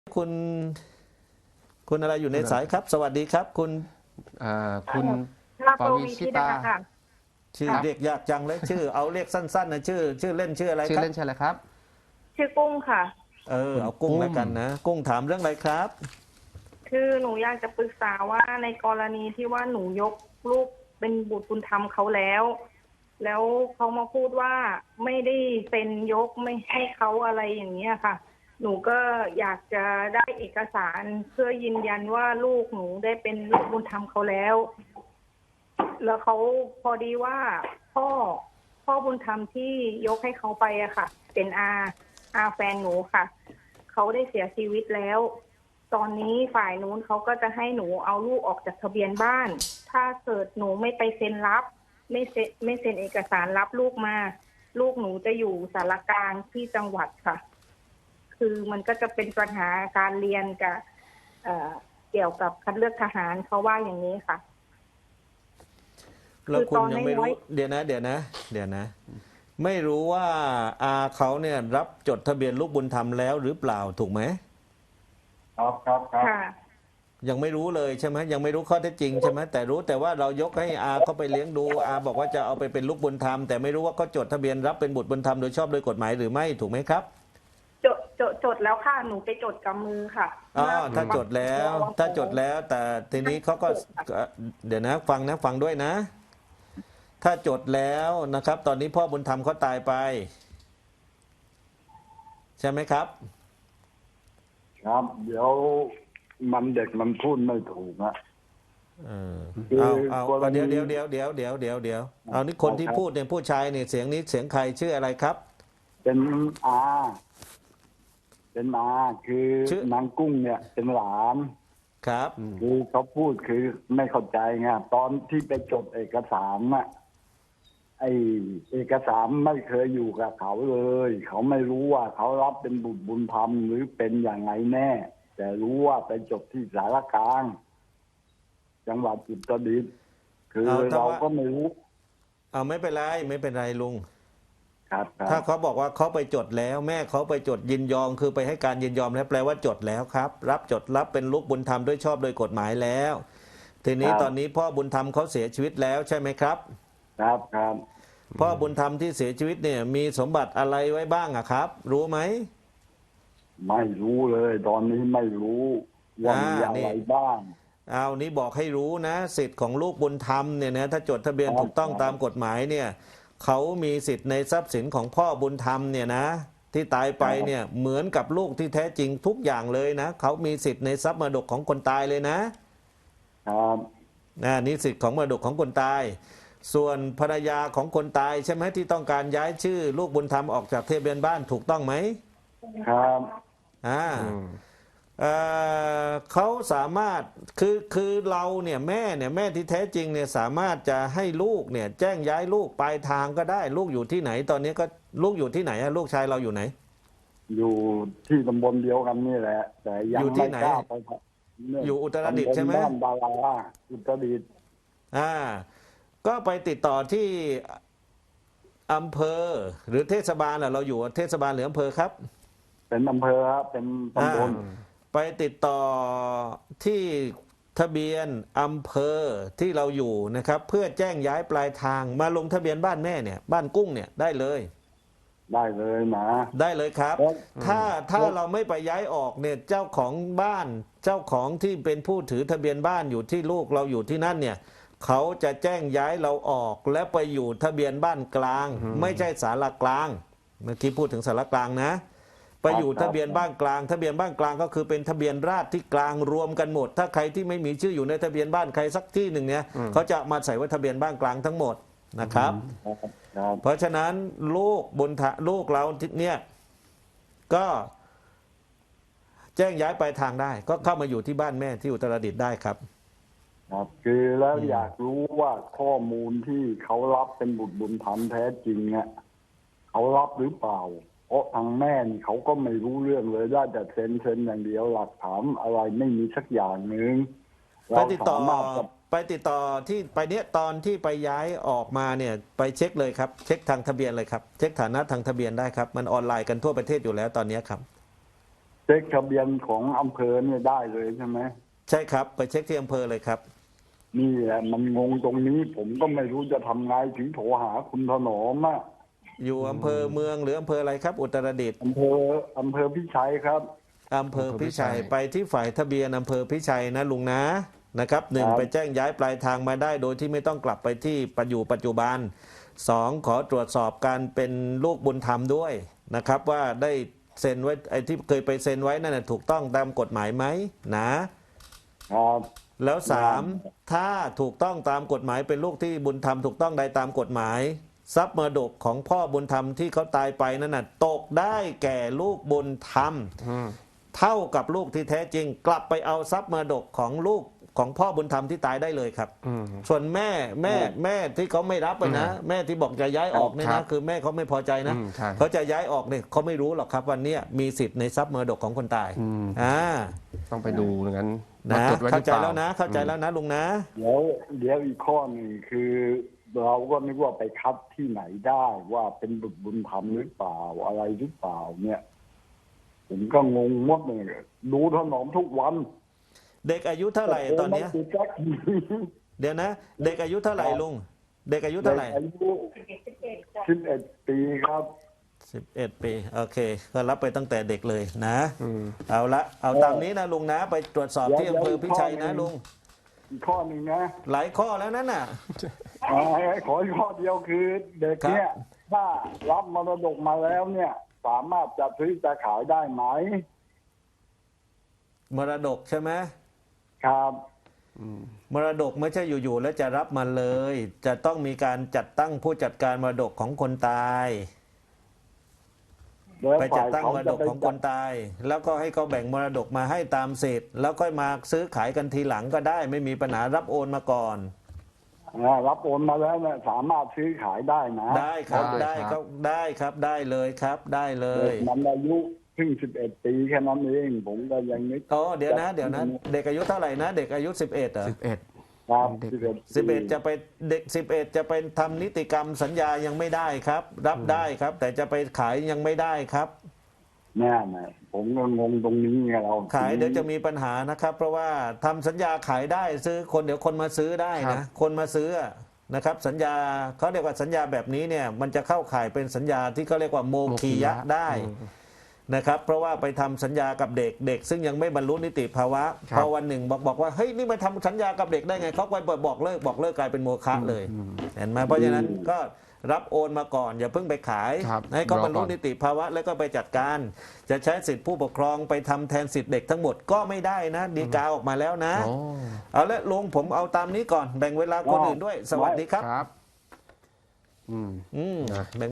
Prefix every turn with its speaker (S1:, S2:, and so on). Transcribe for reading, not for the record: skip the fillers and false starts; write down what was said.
S1: คุณคุณอะไรอยู่ในสายครับ สวัสดีครับ คุณ
S2: คุณ
S3: ลา
S2: ป
S3: โป
S2: วิชิ
S3: วีชิดา
S2: ตา
S3: ค่ะ
S1: ชื่อ
S3: ค่ะ
S1: เรียกยากจังเลยชื่อเอาเรียกสั้นๆนะชื่อเล่นชื่ออะไร
S2: ชื่
S1: ครับ
S2: อเล่นชื่ออะไรครับ
S3: ชื่อกุ้งค่ะ
S2: คุณ
S1: เอากุ้ง
S2: กุ้ง
S1: แล้วกันนะกุ้งถามเรื่องอะไรครับ
S3: คือหนูอยากจะปรึกษาว่าในกรณีที่ว่าหนูยกลูกเป็นบุตรบุญธรรมเขาแล้วเขามาพูดว่าไม่ได้เซ็นยกไม่ให้เขาอะไรอย่างเงี้ยค่ะ หนูก็อยากจะได้เอกสารเพื่อยืนยันว่าลูกหนูได้เป็นลูกบุญธรรมเขาแล้วเขาพอดีว่าพ่อบุญธรรมที่ยกให้เขาไปอะค่ะ เป็นอาแฟนหนูค่ะเขาได้เสียชีวิตแล้วตอนนี้ฝ่ายนู้นเขาก็จะให้หนูเอาลูกออกจากทะเบียนบ้านถ้าเกิดหนูไม่ไปเซ็นรับไม่เซ็นเอกสารรับลูกมาลูกหนูจะอยู่สารกลางที่จังหวัดค่ะคือมันก็จะเป็นปัญหาการเรียนกับเกี่ยวกับคัดเลือกทหารเขาว่าอย่างนี้ค่ะ
S1: แล้วคุณยังไม่รู้
S3: คือตอนน้อย
S1: เดี๋ยวนะไม่รู้ว่าอาเขาเนี่ยรับจดทะเบียนลูกบุญธรรมแล้วหรือเปล่าถูกไหม
S3: ค่ะ
S1: ยังไม่รู้เลยใช่ไหมยังไม่รู้ข้อเท็จจริงใช่ไหมแต่รู้แต่ว่าเรายกให้อาเขาไปเลี้ยงดูอาบอกว่าจะเอาไปเป็นลูกบุญธรรมแต่ไม่รู้ว่าเขาจดทะเบียนรับเป็นบุตรบุญธรรมโดยชอบโดยกฎหมายหรือไม่ถูกไหมครับ
S3: จดแล้วค่ะหนูไปจดกับมือค่ะ
S1: ถ้าจดแล้วแต่ทีนี้เขาก็เดี๋ยวนะฟังด้วยนะ ถ้าจดแล้วนะครับ ตอนนี้พ่อบุญธรรมเขาตายไป ใช่ไหมครับ
S4: ครับเดี๋ยวเด็กมันพูดไม่ถูกอะ
S1: เออ
S4: คือ
S1: เอาเดี๋ยว
S4: กรณี
S1: เอานี่คนที่พูดเนี่ยผู้ชายเนี่ยเสียงนี้เสียงใครชื่ออะไรครับ
S4: เป็นอาเป็นอาคือ
S1: ชื่อ
S4: นางกุ้งเนี่ยเป็นหลาน
S1: ครับ
S4: คือเขาพูดคือไม่เข้าใจไงตอนที่ไปจดเอกสารน่ะไอเอกสารไม่เคยอยู่กับเขาเลยเขาไม่รู้ว่าเขารับเป็นบุตรบุญธรรมหรือเป็นอย่างไรแน่แต่รู้ว่าไปจดที่สารกลางจังหวัดอุตรดิตถ์คือเราก็ไม่รู้
S1: ไม่เป็นไรลุง
S4: ครับ
S1: ถ้าเขาบอกว่าเขาไปจดแล้วแม่เขาไปจดยินยอมคือไปให้การยินยอมแล้วแปลว่าจดแล้วครับรับเป็นลูกบุญธรรมด้วยชอบโดยกฎหมายแล้ว ทีนี้ตอนนี้พ่อบุญธรรมเขาเสียชีวิตแล้วใช่ไหมครับ
S4: ครับ
S1: พ่อบุญธรรมที่เสียชีวิตเนี่ยมีสมบัติอะไรไว้บ้างอะครับ รู้ไหม
S4: ไม่รู้เลยตอนนี้ไม่รู้ว่ามีอะไรบ้าง
S1: นี้บอกให้รู้นะสิทธิ์ของลูกบุญธรรมเนี่ยนะถ้าจดทะเบียนถูกต้องตามกฎหมายเนี่ยเขามีสิทธิ์ในทรัพย์สินของพ่อบุญธรรมเนี่ยนะที่ตายไปเนี่ยเหมือนกับลูกที่แท้จริงทุกอย่างเลยนะเขามีสิทธิ์ในทรัพย์มรดกของคนตายเลยนะครับนี่สิทธิ์ของมรดกของคนตายส่วนภรรยาของคนตายใช่ไหมที่ต้องการย้ายชื่อลูกบุญธรรมออกจากทะเบียนบ้านถูกต้องไหม
S4: ครับ
S1: เขาสามารถคือเราเนี่ยแม่ที่แท้จริงเนี่ยสามารถจะให้ลูกเนี่ยแจ้งย้ายลูกปลายทางก็ได้ลูกอยู่ที่ไหนตอนนี้ก็ลูกอยู่ที่ไหนลูกชายเราอยู่ไหน
S4: อยู่ที่ตำบลเดียวกันนี่แหละแต่ยังไม่กล้าไป
S1: อยู่อุตรดิตถ์ใช่ไหม
S4: บ้านดาราอุตรดิตถ์
S1: ก็ไปติดต่อที่อำเภอหรือเทศบาลเราอยู่เทศบาลหรืออำเภอครับ
S4: เป็นอำเภอครับเป็นตำบล
S1: ไปติดต่อที่ทะเบียนอำเภอที่เราอยู่นะครับเพื่อแจ้งย้ายปลายทางมาลงทะเบียนบ้านแม่เนี่ยบ้านกุ้งเนี่ยได้เลย
S4: นะ
S1: ได้เลยครับถ้าเราไม่ไปย้ายออกเนี่ยเจ้าของบ้านเจ้าของที่เป็นผู้ถือทะเบียนบ้านอยู่ที่ลูกเราอยู่ที่นั่นเนี่ยเขาจะแจ้งย้ายเราออกและไปอยู่ทะเบียนบ้านกลางไม่ใช่ศาลากลางเมื่อกี้พูดถึงศาลากลางนะไปอยู่ทะเบียนบ้านกลางทะเบียนบ้านกลางก็คือเป็นทะเบียนราษฎร์ที่กลางรวมกันหมดถ้าใครที่ไม่มีชื่ออยู่ในทะเบียนบ้านใครสักที่หนึ่งเนี่ยเขาจะมาใส่ไว้ทะเบียนบ้านกลางทั้งหมดนะครับเพราะฉะนั้นลูกเราเนี่ยก็แจ้งย้ายไปทางได้ก็เข้ามาอยู่ที่บ้านแม่ที่อุตรดิตถ์ได้ครับ
S4: คือแล้วอยากรู้ว่าข้อมูลที่เขารับเป็นบุตรบุญธรรมแท้จริงเนี่ยเขารับหรือเปล่าเพราะทางแม่เขาก็ไม่รู้เรื่องเลยได้แต่เซ็นอย่างเดียวหลักฐานอะไรไม่มีสักอย่างหนึ่ง
S1: ไปติดต่อที่ไปเนี้ยตอนที่ไปย้ายออกมาเนี่ยไปเช็คเลยครับเช็คทางทะเบียนเลยครับเช็คฐานะทางทะเบียนได้ครับมันออนไลน์กันทั่วประเทศอยู่แล้วตอนนี้ครับ
S4: เช็คทะเบียนของอำเภอเนี่ยได้เลยใช่ไหม
S1: ใช่ครับไปเช็คที่อำเภอเลยครับ
S4: นี่แหละมันงงตรงนี้ ผมก็ไม่รู้จะทำไงถึงโทรหาคุณถนอมอ่ะ
S1: อยู่อำเภอเมืองหรืออำเภออะไรครับ อุตรดิตถ์
S4: อำเภอพิชัยครับ
S1: อำเภอพิชัยไปที่ฝ่ายทะเบียนอำเภอพิชัยนะลุงนะครับหนึ่ง
S4: ครับ
S1: ไปแจ้งย้ายปลายทางมาได้โดยที่ไม่ต้องกลับไปที่ปัจจุบันสองขอตรวจสอบการเป็นลูกบุญธรรมด้วยนะครับว่าได้เซ็นไว้ไอ้ที่เคยไปเซ็นไว้นั่นนะถูกต้องตามกฎหมายไหมนะครับ แล้วสามถ้าถูกต้องตามกฎหมายเป็นลูกที่บุญธรรมถูกต้องได้ตามกฎหมายทรัพย์มรดกของพ่อบุญธรรมที่เขาตายไปนั่นน่ะตกได้แก่ลูกบุญธรรม เท่ากับลูกที่แท้จริง กลับไปเอาทรัพย์มรดกของลูกของพ่อบุญธรรมที่ตายได้เลยครับ ส่วนแม่ที่เขาไม่รับไปนะ แม่ที่บอกจะย้ายออกเนี่ย
S2: ครั
S1: นะ
S2: บ
S1: คือแม่เขาไม่พอใจนะ
S2: ใช่
S1: เขาจะย้ายออกเนี่ยเขาไม่รู้หรอกครับวันเนี้ยมีสิทธิ์ในทรัพย์มรดกของคนตาย
S2: ต้องไปดูอย่างนั้น
S1: นะ
S2: จดไว้ห
S1: เข้า
S2: รือ
S1: ใจ
S2: เปล่า
S1: แล้วนะเข้าใจแล้วนะลุงนะ
S4: เดี๋ยวอีกข้อหนึ่งคือ เราก็นึกว่าไปคัดที่ไหนได้ว่าเป็นบุญธรรมหรือเปล่าอะไรหรือเปล่าเนี่ย ผมก็งงหมดเลยดูถนอมทุกวัน
S1: เด็กอายุเท่าไหร่ตอนเนี้ย
S4: ไม่ติดสักที
S1: เดี๋ยวนะ เด็กอายุเท่าไหร่ลุงเด็กอายุเท่าไหร่
S4: อายุ11 ปีครับ
S1: 11 ปีโอเคก็รับไปตั้งแต่เด็กเลยนะเอาละเอาตามนี้นะลุงนะ ไปตรวจสอบที่อำเภอพิชัยนะลุง
S4: อีกข้อหนึ่งนะ
S1: หลายข้อแล้วนั่นน่ะ
S4: ขออีกข้อเดียวคือเด็กเนี่ยถ้ารับมรดกมาแล้วเนี่ย สามารถจะซื้อจะขายได้ไหม
S1: มรดกใช่ไหม
S4: ครับ
S1: มรดกไม่ใช่อยู่ๆแล้วจะรับมันเลย จะต้องมีการจัดตั้งผู้จัดการมรดกของคนตาย
S4: แล้ว
S1: ไปจั
S4: ฝ่า
S1: ด
S4: ย
S1: ตั้ง
S4: เขา
S1: มร
S4: จะ
S1: ดก
S4: ไป
S1: ของคนตาย แล้วก็ให้เขาแบ่งมรดกมาให้ตามสิทธิ์แล้วค่อยมาซื้อขายกันทีหลังก็ได้ ไม่มีปัญหารับโอนมาก่อน
S4: รับโอนมาแล้วเนี่ยสามารถซื้อขายได้นะ
S1: ได้ครับได้ครับได้ครับได้เลยครับได้เล
S4: เด็
S1: ย
S4: กมันอายุเพิ่ง11 ปีแค่นั้นเองผมก็ยังนึก
S1: อ๋อเดี๋ยวนะเด็กอายุเท่าไหร่นะ เด็กอายุ 11เหรอ
S2: 11
S4: ครับ
S1: 11จะไปเด็ก11จะไปทำนิติกรรมสัญญายังไม่ได้ครับ รับได้ครับ แต่จะไปขายยังไม่ได้ครับ
S4: แน่นะผมก็งงตรงนี้ไงเรา
S1: ขายเดี๋ยวจะมีปัญหานะครับ เพราะว่าทำสัญญาขายได้ซื้อคนเดี๋ยวคนมาซื้อได้
S2: ครั
S1: นะ
S2: บ
S1: คนมาซื้อนะครับ สัญญาเขาเรียกว่าสัญญาแบบนี้เนี่ยมันจะเข้าข่ายเป็นสัญญาที่เขาเรียกว่าโมคียะได้นะครับ เพราะว่าไปทำสัญญากับเด็กซึ่งยังไม่บรรลุนิติภาวะพอวันหนึ่งบอกว่าเฮ้ยนี่มาทำสัญญากับเด็กได้ไงเขาไปบอกเลิกกลายเป็นโมฆะเลยเห็นไหมเพราะฉะนั้นก็รับโอนมาก่อนอย่าเพิ่งไปขาย
S2: ครับ
S1: ให้เขาบรรลุ
S2: รอก่อน
S1: นิติภาวะแล้วก็ไปจัดการ จะใช้สิทธิผู้ปกครองไปทำแทนสิทธิเด็กทั้งหมดก็ไม่ได้นะดีกาออกมาแล้วนะ
S2: โอ้
S1: เอาละลุงผมเอาตามนี้ก่อนแบ่งเวลาคนอื่นด้วย สวัสดีครับ
S2: ครับ
S1: แบ่ง